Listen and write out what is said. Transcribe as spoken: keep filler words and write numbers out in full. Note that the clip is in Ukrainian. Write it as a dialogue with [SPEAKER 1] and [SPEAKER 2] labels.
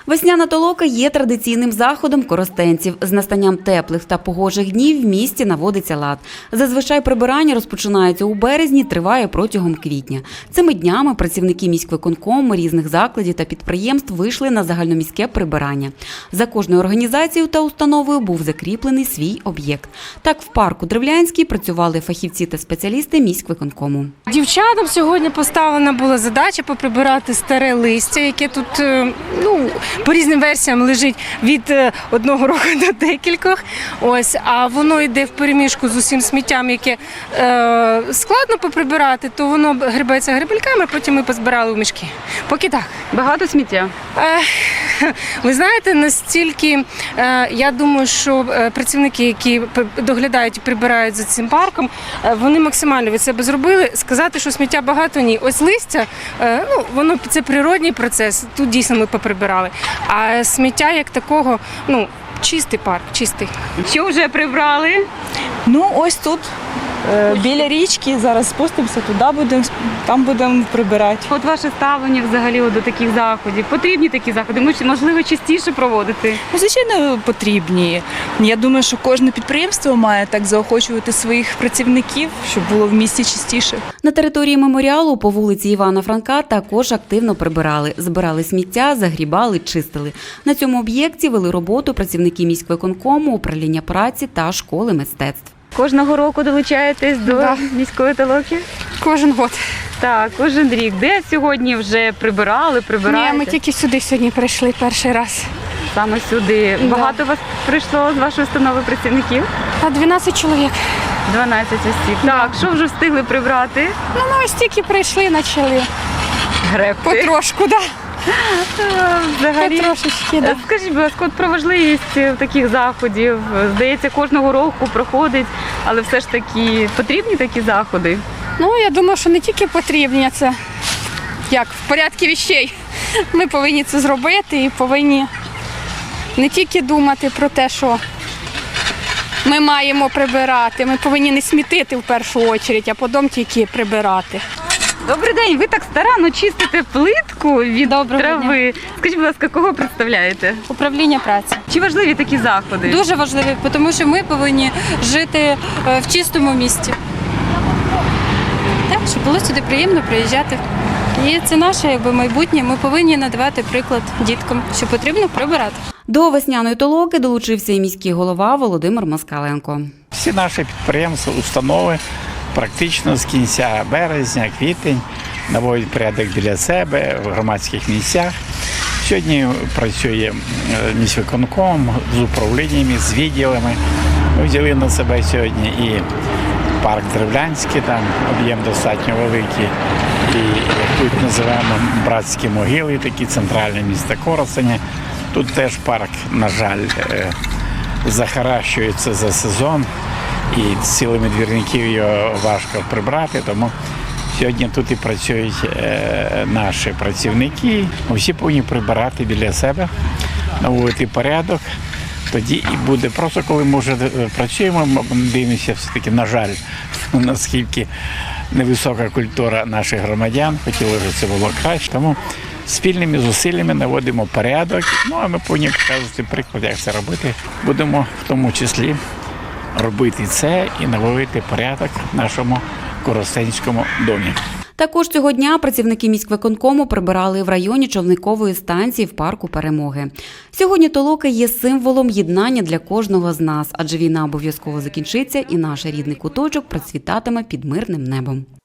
[SPEAKER 1] Весняна толока є традиційним заходом коростенців. З настанням теплих та погожих днів в місті наводиться лад. Зазвичай прибирання розпочинається у березні, триває протягом квітня. Цими днями працівники міськвиконкому різних закладів та підприємств вийшли на загальноміське прибирання. За кожною організацією та установою був закріплений свій об'єкт. Так, в парку Древлянський працювали фахівці та спеціалісти міськвиконкому.
[SPEAKER 2] Дівчатам сьогодні поставлена була задача поприбирати старе листя, яке тут, ну, по різним версіям лежить від одного року до декількох. Ось, а воно йде в переміжку з усім сміттям, яке е, складно поприбирати, то воно грибається грибельками, потім ми позбирали в мішки. Поки так.
[SPEAKER 1] Багато сміття?
[SPEAKER 2] Е, ви знаєте, настільки, е, я думаю, що працівники, які доглядають і прибирають за цим парком, е, вони максимально від себе зробили. Сказати, що сміття багато, ні. Ось листя, е, ну, воно це природній процес, тут дійсно ми поприбирали. А сміття як такого, ну, чистий парк, чистий.
[SPEAKER 1] Що вже прибрали?
[SPEAKER 3] Ну, ось тут, е, біля річки, зараз спустимося туди, будемо, там будемо прибирати.
[SPEAKER 1] От ваше ставлення взагалі до таких заходів? Потрібні такі заходи? Можливо, частіше проводити?
[SPEAKER 3] Ну, звичайно, потрібні. Я думаю, що кожне підприємство має так заохочувати своїх працівників, щоб було в місті чистіше.
[SPEAKER 1] На території меморіалу по вулиці Івана Франка також активно прибирали. Збирали сміття, загрібали, чистили. На цьому об'єкті вели роботу працівники міськвиконкому, управління праці та школи мистецтв. Кожного року долучаєтесь до
[SPEAKER 2] Да.
[SPEAKER 1] міської толоки?
[SPEAKER 2] Кожен год.
[SPEAKER 1] Так, кожен рік. Де сьогодні вже прибирали, прибираєте?
[SPEAKER 2] Ні, ми тільки сюди сьогодні прийшли перший раз.
[SPEAKER 1] Саме сюди.
[SPEAKER 2] Да.
[SPEAKER 1] Багато вас прийшло з вашої установи працівників?
[SPEAKER 2] А дванадцять чоловік.
[SPEAKER 1] дванадцять осіб. Так, що вже встигли прибрати?
[SPEAKER 2] Ну, ми ось тільки прийшли, почали.
[SPEAKER 1] Гребти.
[SPEAKER 2] Потрошку, так.
[SPEAKER 1] Взагалі.
[SPEAKER 2] Потрошечки, так.
[SPEAKER 1] Скажіть, будь ласка, от про важливість таких заходів. Здається, кожного року проходить, але все ж таки потрібні такі заходи?
[SPEAKER 2] Ну, я думаю, що не тільки потрібні, це як в порядку вещей. Ми повинні це зробити і повинні не тільки думати про те, що ми маємо прибирати, ми повинні не смітити в першу чергу, а потім тільки прибирати.
[SPEAKER 1] Добрий день, ви так старанно чистите плитку від
[SPEAKER 2] Доброго
[SPEAKER 1] трави. Скажіть, будь ласка, кого представляєте?
[SPEAKER 2] Управління праці.
[SPEAKER 1] Чи важливі такі заходи?
[SPEAKER 4] Дуже важливі, тому що ми повинні жити в чистому місті. Так, щоб було сюди приємно приїжджати. І це наше якби, майбутнє. Ми повинні надавати приклад діткам, що потрібно прибирати.
[SPEAKER 1] До весняної толоки долучився і міський голова Володимир Москаленко.
[SPEAKER 5] Всі наші підприємства, установи практично з кінця березня, квітень наводять порядок біля себе в громадських місцях. Сьогодні працює міськвиконком з управліннями, з відділами. Ми взяли на себе сьогодні і парк Древлянський, там об'єм достатньо великий, і як тут називаємо братські могили, такі центральні міста Коростеня. Тут теж парк, на жаль, захаращується за сезон, і силами двірників його важко прибрати, тому сьогодні тут і працюють наші працівники. Всі повинні прибирати біля себе, наводити порядок. Тоді і буде. Просто коли ми вже працюємо, дивимося все-таки, на жаль, наскільки невисока культура наших громадян, хотіли, щоб це було краще. Тому спільними зусиллями наводимо порядок, ну а ми повинні показувати приклад, як це робити. Будемо в тому числі робити це і наводити порядок в нашому коростенському домі.
[SPEAKER 1] Також цього дня працівники міськвиконкому прибирали в районі човникової станції в парку Перемоги. Сьогодні толока є символом єднання для кожного з нас, адже війна обов'язково закінчиться і наш рідний куточок процвітатиме під мирним небом.